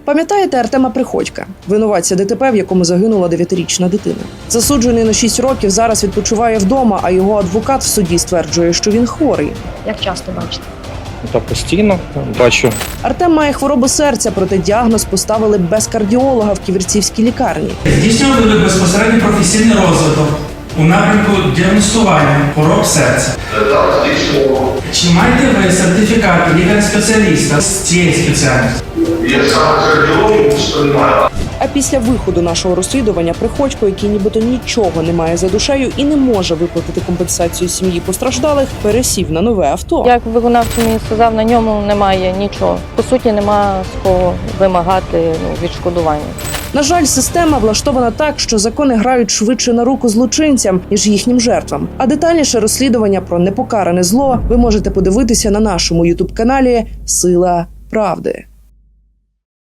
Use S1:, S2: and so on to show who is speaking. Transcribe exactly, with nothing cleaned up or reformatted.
S1: Пам'ятаєте Артема Приходька, винуватця ДТП, в якому загинула дев'ятирічна дитина? Засуджений на шість років зараз відпочиває вдома, а його адвокат в суді стверджує, що він хворий.
S2: Як часто бачите?
S3: Та постійно бачу.
S1: Артем має хворобу серця, проте діагноз поставили без кардіолога в Ківерцівській лікарні.
S4: Здійснювали безпосередньо професійний розвиток у напрямку діагностування хвороб серця. Чи маєте ви сертифікат лікаря-спеціаліста з цієї спеціальності?
S5: Я сам кардіолог, що немає.
S1: А після виходу нашого розслідування Приходько, який нібито нічого не має за душею і не може виплатити компенсацію сім'ї постраждалих, пересів на нове авто.
S2: Як виконавчий мені сказав, на ньому немає нічого. По суті, нема з кого вимагати ну, відшкодування.
S1: На жаль, система влаштована так, що закони грають швидше на руку злочинцям, ніж їхнім жертвам. А детальніше розслідування про непокаране зло ви можете подивитися на нашому ютуб-каналі «Сила правди».